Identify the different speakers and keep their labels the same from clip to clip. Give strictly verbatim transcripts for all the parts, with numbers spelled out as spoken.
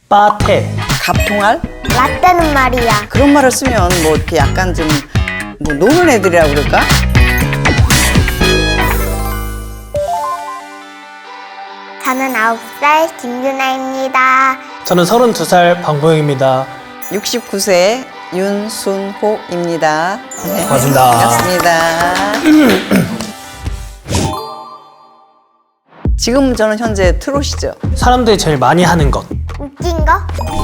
Speaker 1: 빠테.
Speaker 2: 갑통알?
Speaker 3: 라떼는 말이야.
Speaker 2: 그런 말을 쓰면 뭐 이렇게 약간 좀 뭐 노는 애들이라고 그럴까?
Speaker 3: 저는 아홉 살 김유나입니다.
Speaker 1: 저는 서른두 살 방보영입니다.
Speaker 2: 육십구 세 윤순호입니다. 네,
Speaker 1: 반갑습니다.
Speaker 2: 반갑습니다. 지금 저는 현재 트롯이죠.
Speaker 1: 사람들이 제일 많이 하는 것.
Speaker 3: 웃긴 거?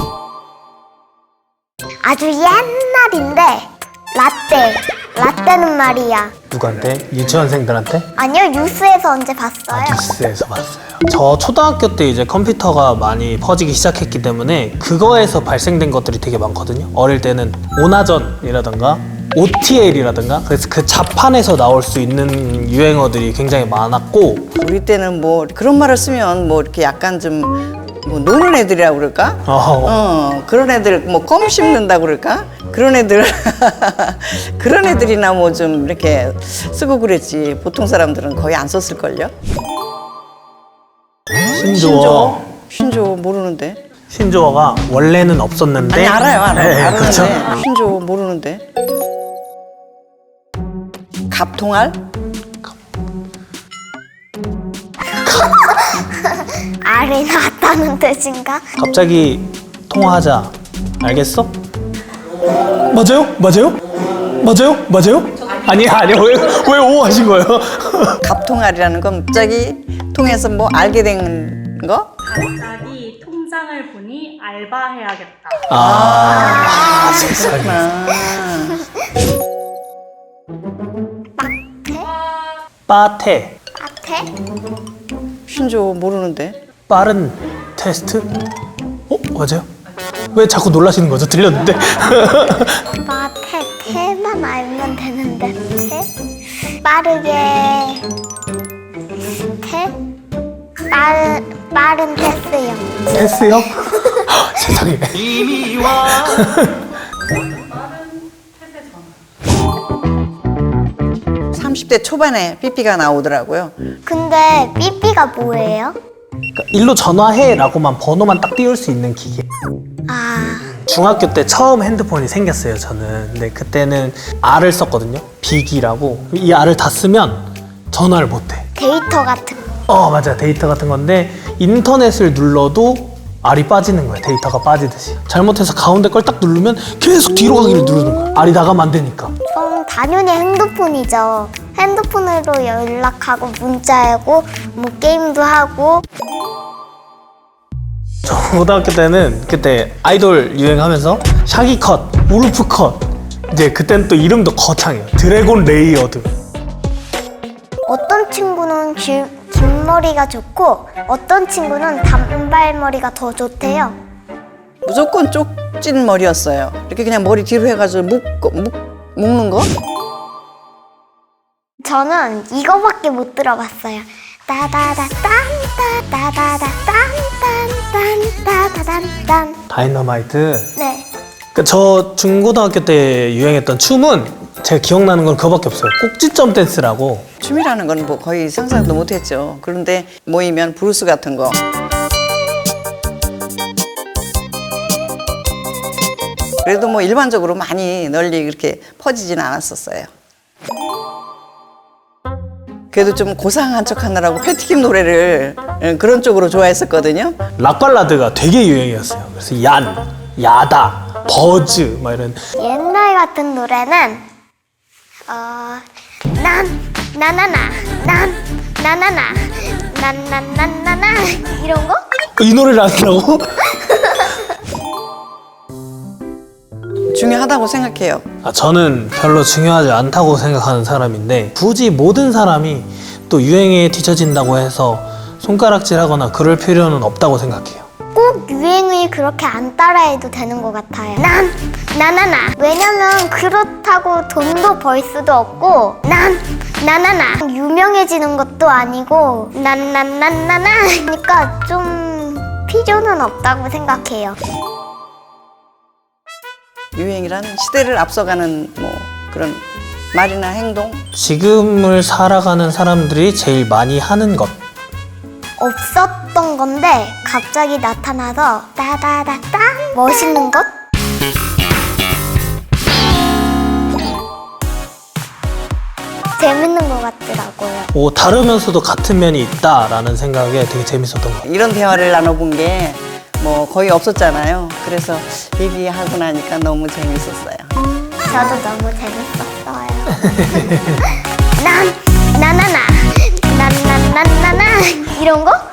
Speaker 3: 아주 옛날인데 라떼. 라떼는 말이야.
Speaker 1: 누구한테? 유치원생들한테?
Speaker 3: 아니요, 뉴스에서 언제 봤어요.
Speaker 1: 뉴스에서 봤어요. 저 초등학교 때 이제 컴퓨터가 많이 퍼지기 시작했기 때문에 그거에서 발생된 것들이 되게 많거든요. 어릴 때는 오나전이라든가 오티엘이라든가 그래서 그 자판에서 나올 수 있는 유행어들이 굉장히 많았고,
Speaker 2: 우리 때는 뭐 그런 말을 쓰면 뭐 이렇게 약간 좀 뭐 노는 애들이라고 그럴까?
Speaker 1: 어,
Speaker 2: 어, 그런 애들 뭐 껌 씹는다고 그럴까? 그런 애들 그런 애들이나 뭐 좀 이렇게 쓰고 그랬지. 보통 사람들은 거의 안 썼을걸요?
Speaker 1: 신조어.
Speaker 2: 신조어 모르는데.
Speaker 1: 신조어가 원래는 없었는데.
Speaker 2: 아니 알아요 알아요.
Speaker 1: 네,
Speaker 2: 아는데
Speaker 1: 그렇죠.
Speaker 2: 신조어 모르는데. 갑통알?
Speaker 3: 알이 나왔다는 뜻인가?
Speaker 1: 갑자기 통화하자. 알겠어? 맞아요? 맞아요? 맞아요? 맞아요? 아니 아니요. 왜, 왜 오 하신 거예요?
Speaker 2: 갑통알이라는 건 갑자기 통해서 뭐 알게 된 거?
Speaker 4: 갑자기 통장을 보니 알바해야겠다.
Speaker 1: 아, 세상에.
Speaker 2: 아,
Speaker 1: 빠테.
Speaker 3: 앞에?
Speaker 2: 신조어 모르는데.
Speaker 1: 빠른 테스트? 어? 맞아요? 왜 자꾸 놀라시는 거죠? 들렸는데?
Speaker 3: 마테, 테만 알면 되는데. 테? 빠르게. 테? 빠른, 빠른 테스요.
Speaker 1: 테스요? 세상에.
Speaker 2: 삼십 대 초반에 삐삐가 나오더라고요.
Speaker 3: 근데 삐삐가 뭐예요?
Speaker 1: 그러니까 일로 전화해라고만 번호만 딱 띄울 수 있는 기계.
Speaker 3: 아,
Speaker 1: 중학교 때 처음 핸드폰이 생겼어요, 저는. 근데 그때는 R을 썼거든요. 비기라고. 이 R을 다 쓰면 전화를 못해.
Speaker 3: 데이터 같은 거.
Speaker 1: 어, 맞아. 데이터 같은 건데 인터넷을 눌러도 R이 빠지는 거야. 데이터가 빠지듯이. 잘못해서 가운데 걸 딱 누르면 계속 뒤로 가기를 누르는 거야. R이 나가면 안 되니까.
Speaker 3: 그럼 당연히 핸드폰이죠. 핸드폰으로 연락하고 문자하고 뭐 게임도 하고.
Speaker 1: 저 고등학교 때는 그때 아이돌 유행하면서 샤기컷, 우르프컷, 이제 그때는 또 이름도 거창해요. 드래곤 레이어드.
Speaker 3: 어떤 친구는 길, 긴 머리가 좋고 어떤 친구는 단발머리가 더 좋대요.
Speaker 2: 무조건 쪽진 머리였어요. 이렇게 그냥 머리 뒤로 해가지고 묶, 묶, 묶는 거?
Speaker 3: 저는 이거밖에 못 들어봤어요. 따다다 딴따 따다다 딴딴 따다단딴.
Speaker 1: 다이너마이트.
Speaker 3: 네.
Speaker 1: 그러니까 저 중고등학교 때 유행했던 춤은 제가 기억나는 건 그거밖에 없어요. 꼭지점 댄스라고.
Speaker 2: 춤이라는 건 뭐 거의 상상도 못했죠. 그런데 모이면 브루스 같은 거. 그래도 뭐 일반적으로 많이 널리 그렇게 퍼지진 않았었어요. 그래도 좀 고상한 척 하느라고 패티김 노래를 그런 쪽으로 좋아했었거든요.
Speaker 1: 락발라드가 되게 유행이었어요. 그래서 얀, 야다, 버즈 막 이런.
Speaker 3: 옛날 같은 노래는 어, 난 나나나 난 나나나 난난난나나 이런 거?
Speaker 1: 이 노래를 아시라고?
Speaker 2: 중요하다고 생각해요.
Speaker 1: 아, 저는 별로 중요하지 않다고 생각하는 사람인데 굳이 모든 사람이 또 유행에 뒤처진다고 해서 손가락질하거나 그럴 필요는 없다고 생각해요.
Speaker 3: 꼭 유행을 그렇게 안 따라해도 되는 것 같아요. 난 나나나. 왜냐면 그렇다고 돈도 벌 수도 없고 난 나나나. 유명해지는 것도 아니고 난난난나나. 그러니까 좀 필요는 없다고 생각해요.
Speaker 2: 유행이란 시대를 앞서가는 뭐 그런 말이나 행동.
Speaker 1: 지금을 살아가는 사람들이 제일 많이 하는 것.
Speaker 3: 없었던 건데 갑자기 나타나서 따다다따 멋있는 것? 재밌는 것 같더라고요.
Speaker 1: 오, 다르면서도 같은 면이 있다라는 생각에 되게 재밌었던 것 같아요.
Speaker 2: 이런 대화를 나눠본 게 뭐 거의 없었잖아요. 그래서 얘기하고 나니까 너무 재밌었어요.
Speaker 3: 저도 너무 재밌었어요. 난 나나나 난난난나나 이런 거?